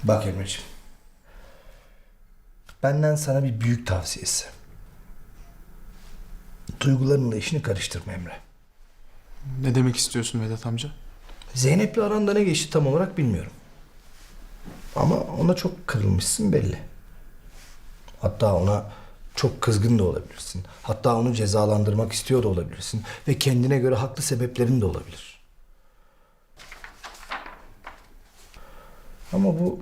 Bak Emre'ciğim. Benden sana bir büyük tavsiyesi. Duygularınla işini karıştırma Emre. Ne demek istiyorsun Vedat amca? Zeynep'le aranda ne geçti tam olarak bilmiyorum. Ama ona çok kırılmışsın belli. Hatta ona çok kızgın da olabilirsin. Hatta onu cezalandırmak istiyor da olabilirsin. Ve kendine göre haklı sebeplerin de olabilir. Ama bu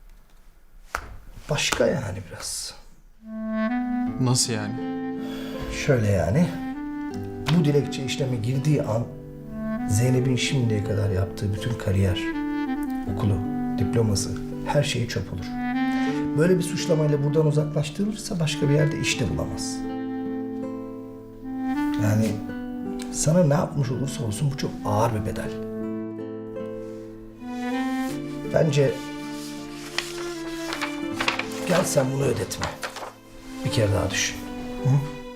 başka yani biraz. Nasıl yani? Şöyle yani. Bu dilekçe işleme girdiği an Zeynep'in şimdiye kadar yaptığı bütün kariyer, okulu, diploması, her şeyi çöp olur. Böyle bir suçlamayla buradan uzaklaştırılırsa başka bir yerde iş de bulamaz. Yani sana ne yapmış olursa olsun bu çok ağır bir bedel. Bence gel sen bunu ödetme. Bir kere daha düşün. Hı?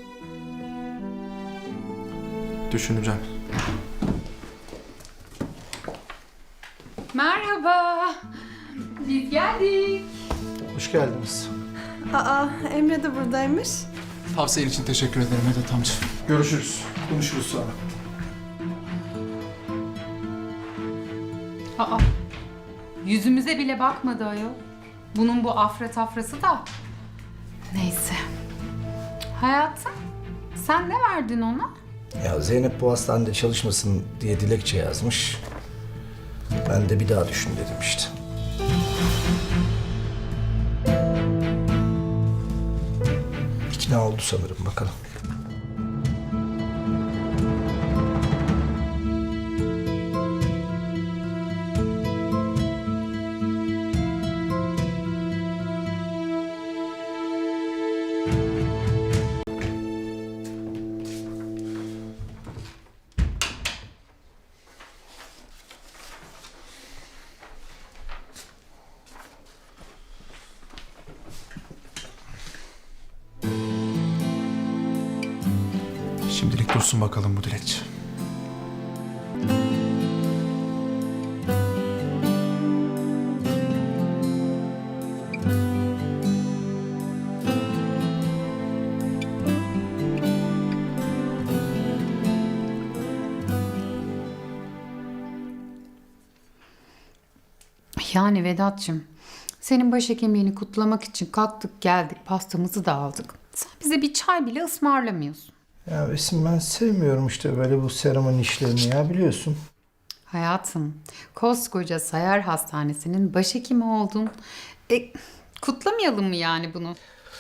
Düşüneceğim. Merhaba. Biz geldik. Hoş geldiniz. Aa, Emre de buradaymış. Tavsiyen için teşekkür ederim Vedat amca. Görüşürüz. Konuşuruz sonra. Aa, yüzümüze bile bakmadı ayol. Bunun bu afra tafrası da. Neyse. Hayatım, sen ne verdin ona? Ya Zeynep bu hastanede çalışmasın diye dilekçe yazmış. Ben de bir daha düşün dedim işte. İkna oldu sanırım, bakalım. Şimdilik dursun bakalım bu dilekçe. Yani Vedat'cığım, senin başhekimliğini kutlamak için kalktık geldik, pastamızı da aldık. Sen bize bir çay bile ısmarlamıyorsun. Ya Esin, ben sevmiyorum işte böyle bu seremoni işlerini ya, biliyorsun. Hayatım, koskoca Sayar Hastanesi'nin başhekimi oldun. Kutlamayalım mı yani bunu?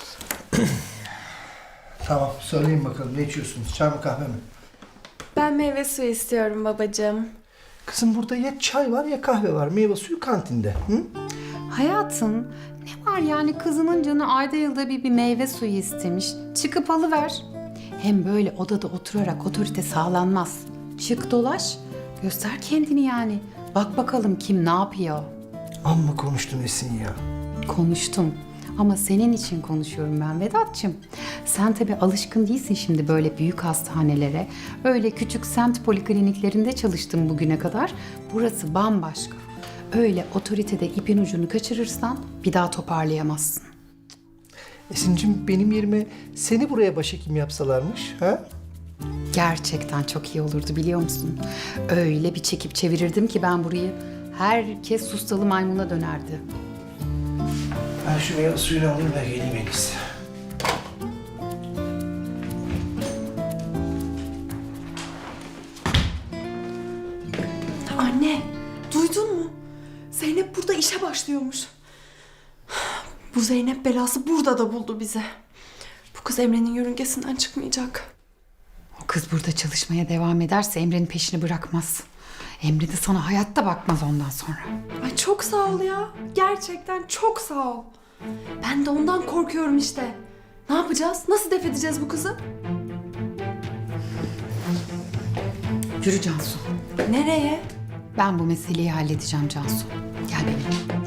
Tamam, söyleyin bakalım, ne içiyorsunuz? Çay mı kahve mi? Ben meyve suyu istiyorum babacığım. Kızım, burada ya çay var ya kahve var. Meyve suyu kantinde. Hı? Hayatım, ne var yani kızının canı ayda yılda bir meyve suyu istemiş. Çıkıp alıver. Hem böyle odada oturarak otorite sağlanmaz. Çık dolaş, göster kendini yani. Bak bakalım kim ne yapıyor. Amma konuştun Esin ya. Konuştum ama senin için konuşuyorum ben Vedat'cığım. Sen tabii alışkın değilsin şimdi böyle büyük hastanelere. Öyle küçük semt polikliniklerinde çalıştın bugüne kadar. Burası bambaşka. Öyle otoritede ipin ucunu kaçırırsan bir daha toparlayamazsın. Esin'cim, benim yerime seni buraya başhekim yapsalarmış, ha? Gerçekten çok iyi olurdu biliyor musun? Öyle bir çekip çevirirdim ki ben burayı. Herkes sustalı maymuna dönerdi. Ben şu meyve suyunu alayım da geleyim en iyisi. Anne, duydun mu? Zeynep burada işe başlıyormuş. Bu Zeynep belası burada da buldu bizi. Bu kız Emre'nin yörüngesinden çıkmayacak. O kız burada çalışmaya devam ederse Emre'nin peşini bırakmaz. Emre de sana hayatta bakmaz ondan sonra. Ay çok sağ ol ya. Gerçekten çok sağ ol. Ben de ondan korkuyorum işte. Ne yapacağız? Nasıl def edeceğiz bu kızı? Yürü Cansu. Nereye? Ben bu meseleyi halledeceğim Cansu. Gel benimle.